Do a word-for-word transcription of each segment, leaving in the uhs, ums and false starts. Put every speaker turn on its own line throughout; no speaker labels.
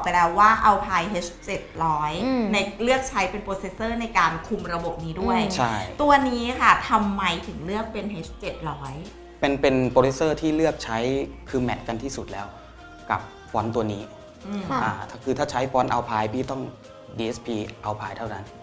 ไปแล้วว่า Alpine เอช เจ็ดร้อย ในเลือกใช้เป็นโปรเซสเซอร์ในการคุมระบบนี้ด้วย
ใช่
ตัวนี้ค่ะทำไมถึงเลือกเป็น เอช เจ็ดร้อย
เป็นเป็นโปรเซสเซอร์ที่เลือกใช้คือแมทกันที่สุดแล้วกับฟอนต์ตัวนี้อ่าคือถ้าใช้ฟอนต์ Alpine พี่ต้อง ดี เอส พี Alpine เท่านั้น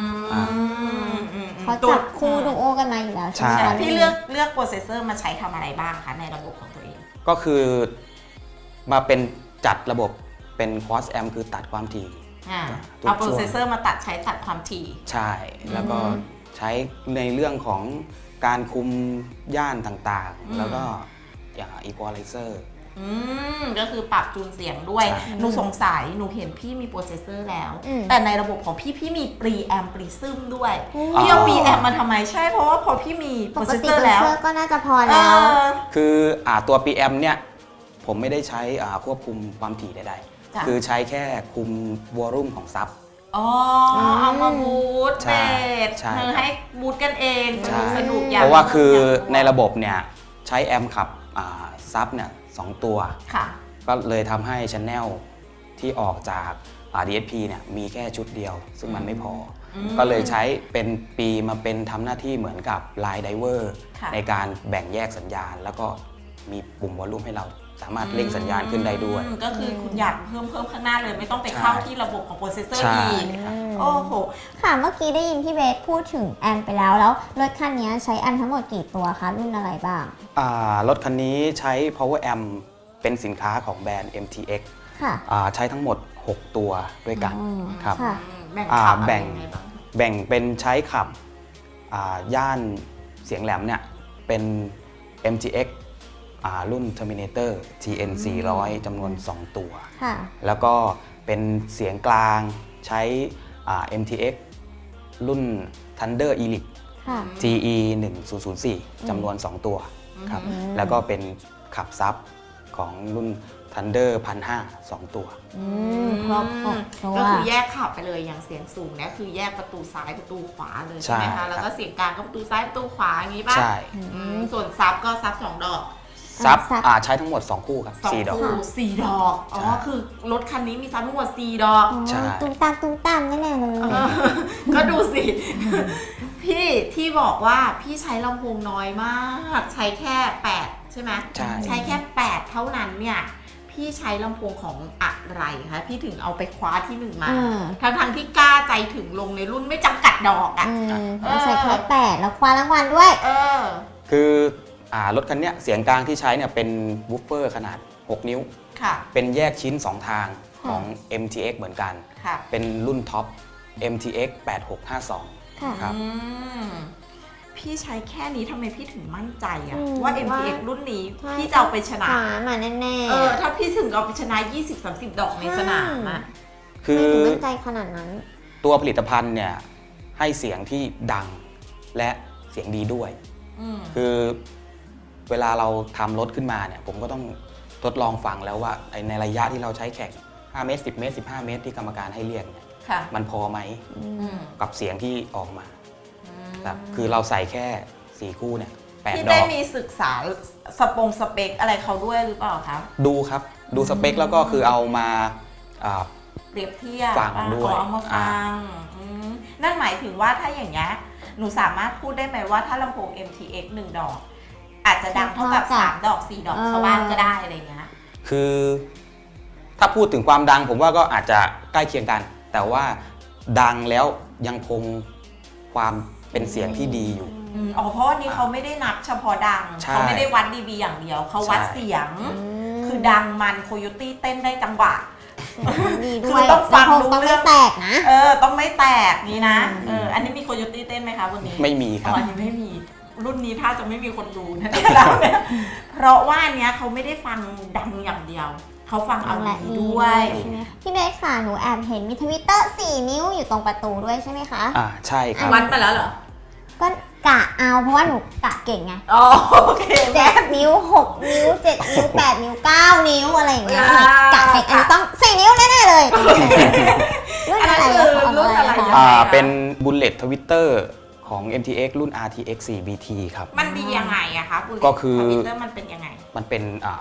เขาจับคู่ดูโอกันมาอยู่แล้วใช่ไหม
พี่เลือกเลือกโปรเซสเซอร์มาใช้ทำอะไรบ้างคะในระบบของตัวเอง
ก็คือมาเป็นจัดระบบเป็น cross amp คือตัดความถี่
เอาโปรเซสเซอร์มาตัดใช้ตัดความถี่
ใช่แล้วก็ใช้ในเรื่องของการคุมย่านต่างๆแล้วก็อย่าง equalizer
อืมก็คือปรับจูนเสียงด้วยหนูสงสัยหนูเห็นพี่มีโปรเซสเซอร์แล้วแต่ในระบบของพี่พี่มีปรีแอมปรีซึมด้วยพี่เอาปรีแอมมาทำไมใช่เพราะว่าพอพี่มีโปรเซสเซอร์แล้ว
ก็น่าจะพอแล้ว
คืออ่าตัว พี เอ็ม เนี่ยผมไม่ได้ใช้อ่าควบคุมความถี่ใดๆคือใช้แค่คุมวอลลุ่มของซับ
อ๋อเอามาบูตเบสคือให้บูตกันเองสนุกสนุกอย่าง
เพราะว่าคือในระบบเนี่ยใช้แอมขับซับเนี่ยสองตัวก็เลยทำให้ชันแนลที่ออกจาก ดี เอส พี เนี่ยมีแค่ชุดเดียวซึ่งมันไม่พอก็เลยใช้เป็นปีมาเป็นทำหน้าที่เหมือนกับไลน์ไดเวอร์ในการแบ่งแยกสัญญาณแล้วก็มีปุ่มวอลลุ่มให้เราสามารถเร่งสัญญาณขึ้นได้ด้วย
ก็คือคุณอยากเพิ่มเพิ่มข้างหน้าเลยไม่ต้องไปเข้าที่ระบบของโปรเซสเซอร์อีกโอ้โห
ค่ะเมื่อกี้ได้ยินพี่เบสพูดถึงแอมไปแล้วแล้วรถคันนี้ใช้แอมทั้งหมดกี่ตัวคะรุ่นอะไรบ้าง
อ่ารถคันนี้ใช้ power amp เป็นสินค้าของแบรนด์ เอ็ม ที เอ็กซ์
ค่ะ
ใช้ทั้งหมดหกตัวด้วยกันครับ
แบ่งขับอะไร
แบ่ง
ยังไงบ้าง
แบ่งเป็นใช้ขับย่านเสียงแหลมเนี่ยเป็น เอ็ม ที เอ็กซ์รุ่น Terminator ที เอ็น สี่ร้อย จำนวนสองตัวแล้วก็เป็นเสียงกลางใช้ เอ็ม ที เอ็กซ์ รุ่น Thunder Elite ที อี หนึ่งศูนย์ศูนย์สี่ จำนวนสองตัวครับแล้วก็เป็นขับซับของรุ่น Thunder หนึ่งพันห้าร้อย สองตัว
ก็คือแยกขับไปเลยอย่างเสียงสูงเนี่ยคือแยกประตูซ้ายประตูขวาเลยใช่ไหมคะแล้วก็เสียงกลางก็ประตูซ้ายประตูขวาอย่างนี้ป่ะ
ใช่
ส่วนซับก็ซับสองดอก
ซับใช้ทั้งหมดสองคู่ครับสี่ดอก
สี่ดอกอ๋อคือรถคันนี้มีซับทั้งหมดสี่ดอก
ตุ้มตามตุ้มตามแน่ๆเลย
ก็ดูสิพี่ที่บอกว่าพี่ใช้ลำโพงน้อยมากใช้แค่แปดใช่ไหมใช้แค่แปดเท่านั้นเนี่ยพี่ใช้ลำโพงของอะไรคะพี่ถึงเอาไปคว้าที่หนึ่งมาทั้งทั้งที่กล้าใจถึงลงในรุ่นไม่จำกัดดอกอ่ะ
ใช้แค่แปดแล้วคว้ารางวัลด้วย
เออ
คือรถคันนี้เสียงกลางที่ใช้เนี่ยเป็นวูฟเฟอร์ขนาดหกนิ้วเป็นแยกชิ้นสองทางของ เอ็ม ที เอ็กซ์ เหมือนกันเป็นรุ่นท็อป เอ็ม ที เอ็กซ์ แปดหกห้าสองครับ
พี่ใช้แค่นี้ทำไมพี่ถึงมั่นใจอะว่า เอ็ม ที เอ็กซ์ รุ่นนี้พี่จะเอาไปชนะ
มาแน่ๆ
เออถ้าพี่ถึงเอาไปชนะ ยี่สิบถึงสามสิบ ดอกในสนามอะ
คือ
มั่นใจขนาดนั้น
ตัวผลิตภัณฑ์เนี่ยให้เสียงที่ดังและเสียงดีด้วยคือเวลาเราทำรถขึ้นมาเนี่ยผมก็ต้องทดลองฟังแล้วว่าในระยะที่เราใช้แข่งห้าเมตรสิบเมตรสิบห้าเมตรที่กรรมการให้เรียกเนี่ยมันพอไหมกับเสียงที่ออกมาครับคือเราใส่แค่สี่คู่เนี่ยแปดดอกพี่
ได้มีศึกษาสปงสเปคอะไรเขาด้วยหรือเปล่าครับ
ดูครับดูสเปคแล้วก็คือเอามา
เปรียบเทียบ
ฟังด้วย
เอามาฟังนั่นหมายถึงว่าถ้าอย่างนี้หนูสามารถพูดได้ไหมว่าถ้าลำโพง เอ็ม ที เอ็กซ์ หนึ่งดอกอาจจะดังเท่ากับสามดอกสี่ดอกชาวบ้านก็ได้อะไรเงี้ย
คือถ้าพูดถึงความดังผมว่าก็อาจจะใกล้เคียงกันแต่ว่าดังแล้วยังคงความเป็นเสียงที่ดีอยู่
อ๋อเพราะวันนี้เขาไม่ได้นับเฉพาะดังเขาไม่ได้วัดดีบีอย่างเดียวเขาวัดเสียงคือดังมันโคโยตี้เต้นได้จังหวะ
คือต้องฟังรู้เรื่องแตกนะ
เออต้องไม่แตกนี่นะเอออันนี้มีโคโยตี้เต้นไหมคะวันนี้
ไม่มีครับ
อันนี้ไม่มีรุ่นนี้ถ้าจะไม่มีคนดูนะเพราะว่าเนี้ยเขาไม่ได้ฟังดังอย่างเดียวเขาฟังเอาดีด้วย
พี่เบสค่ะหนูแอบเห็นมีทวิตเตอร์สี่นิ้วอยู่ตรงประตูด้วยใช่ไหมคะ
อ่าใช่ครับ
วัดมาแล้วเหรอ
ก็กะเอาเพราะว่าหนูกะเก่งไง
อ๋อโอเค
เจ็ดนิ้วหกนิ้วเจ็ดนิ้วแปดนิ้วเก้านิ้วอะไรอย่างเงี้ยกะเก่งอันต้องสี่นิ้วแน่ๆเลย
รุ่นอะไรรุ่นอะไร
อ่าเป็นบุลเลตทวิตเตอร์ของ เอ็ม ที เอ็กซ์ รุ่น อาร์ ที เอ็กซ์ โฟร์ บี ที ครับ
มันดียังไงอะคะ
ก็คือ
ทวิตเตอร์มันเป็นยังไง
มันเป็น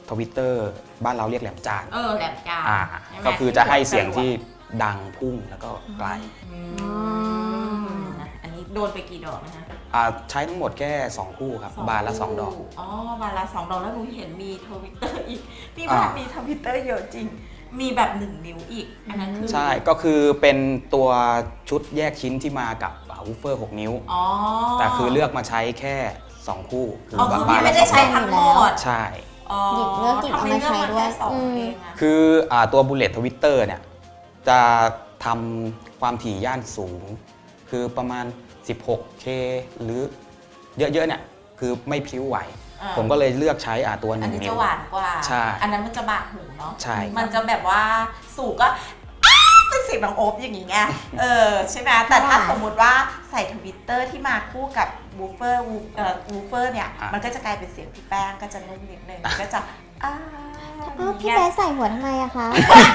ทวิตเตอร์บ้านเราเรียกแหลมจาน
เออแหลมจาน
อ่า
ใช่ไหม
ก็คือจะให้เสียงที่ดังพุ่งแล้วก็ไกล
อืมอันนี้โดนไปกี่ดอกนะคะ
อ่าใช้ทั้งหมดแค่สองคู่ครับบานละสองดอก
อ๋อบานละสองดอกแล้วหนูเห็นมีทวิตเตอร์อีกพี่
อ่า
บ้านมีทวิตเตอร์เยอะจริง มีแบบหนึ่งนิ้วอีกอันนั้นคือ
ใช่ก็คือเป็นตัวชุดแยกชิ้นที่มากับวูฟเฟอร์หกนิ้ว
อ๋อ
แต่คือเลือกมาใช้แค่สองคู่คือ
อ๋อ
บ้า
คือ
บ้า
พี่
น
ไม่
ละ
ได้
ส
ใช้
องดอก
ทั้งหมด
ใช่
อ๋อ
หยิบเลือกหยิบเอามาใช้ด้วย
ทำไมเลือกมาแค่สอง
อืม
เองอะ
คืออ่าตัวบุลเลตทวิตเตอร์เนี่ยจะทำความถี่ย่านสูง คือประมาณ สิบหกเค หรือเยอะๆเนี่ยคือไม่พลิ้วไหว
อ่า
ผมก็เลยเลือกใช้อ่าตัวห
อัน
นึ่ง
นี้
นิ้
จะ
ว
หวานกว่า
ใช่
อันนั้นมันจะบาดหูเนาะ
ใช่
มันจะแบบว่าสูงก็อ้าเป็นเสียงน้องโอ๊บอย่างงี้ไง เออใช่ไหมแต่ถ้าสมมุติว่าใส่ทวิตเตอร์ที่มาคู่กับวูฟเฟอร์วูเอ่อวูฟเฟอร์เนี่ย
อ่ะ
มันก็จะกลายเป็นเสียงพี่แป้งก็จะนุ่มนิดนึงก็จะอ้า
อ้าวพี่
อย่าง
เบ
เงี้ย
สใส่หัวทำไมอะคะ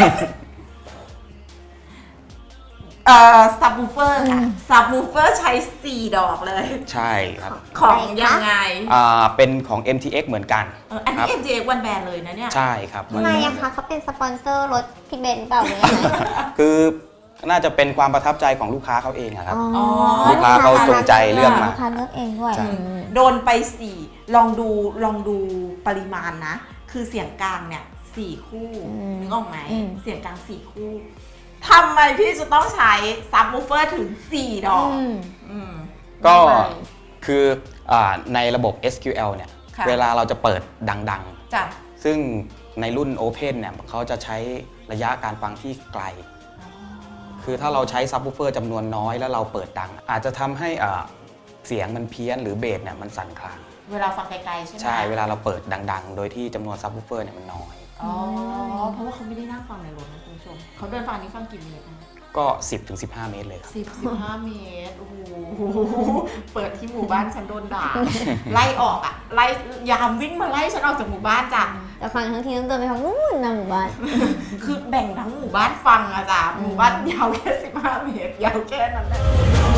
เอ่อซับวูฟเฟอร์ค่ะ
อืม
ซับวูฟเฟอร์ใช้สี่ดอกเลย
ใช่ครับ
ของยังไง
อ่าเป็นของ เอ็ม ที เอ็กซ์ เหมือนกัน
เอออัน
ค
นี้
รับ
เอ็ม จี เอ็กซ์ วันแบนเลยนะเนี่ย
ใช่ครับ
ทำไมอะคะเขาเป็นสปอนเซอร์รถพี่เบนเปล่าหรือยังไง
คือน่าจะเป็นความประทับใจของลูกค้าเขาเองอะครับ
อ๋อ
ลูกค้าเขาจงใจเลือกมา
ลูกค้าเลือกเองด้วย
ใช่
อืม
โดนไปสี่ลองดูลองดูปริมาณนะ คือเสียงกลางเนี่ยสี่คู่
อืม
นึกออกไหม
อืม
เสียงกลางสี่คู่ทำไมพี่จะต้องใช้ซับวูฟเฟอร์ถึงสี่ดอก
อืม
อืม
ก็
ทำไม
คืออาในระบบ เอส คิว แอล เนี่ย
ค่ะ
เวลาเราจะเปิดดัง
จ้ะ
ๆ ซึ่งในรุ่น Open เนี่ยเขาจะใช้ระยะการฟังที่ไกล คือถ้าเราใช้ซับวูฟเฟอร์จำนวนน้อยแล้วเราเปิดดัง อาจจะทำให้อ่าเสียงมันเพี้ยนหรือเบสเนี่ยมันสั่นคลาง
เวลาฟังไกลๆใช่ไหม
ใช่เวลาเราเปิดดังๆ โดยที่จำนวนซับวูฟเฟอร์เนี่ยมันน้อย
อ๋อเพราะว่าเขาไม่ได้นั่งฟังในรถนะคุณผู้ชมเขาเดินฟังนี้ฟังกี่เมตรนะ
ก็ สิบถึงสิบห้า เมตรเลยครับ
สิบสิบห้าเมตรโอ้โหเปิดที่หมู่บ้านฉันโดนด่าไล่ออกอ่ะไล่ยามวิ่งมาไล่ฉันออกจากหมู่บ้านจ้ะ
แต่ฟังทั้งทีต้องเดินไปทางนู้นนะหมู่บ้าน
คือแบ่งทั้งหมู่บ้านฟังอะจ้ะหมู่บ้านยาวแค่สิบห้าเมตรยาวแค่นั้นแหละ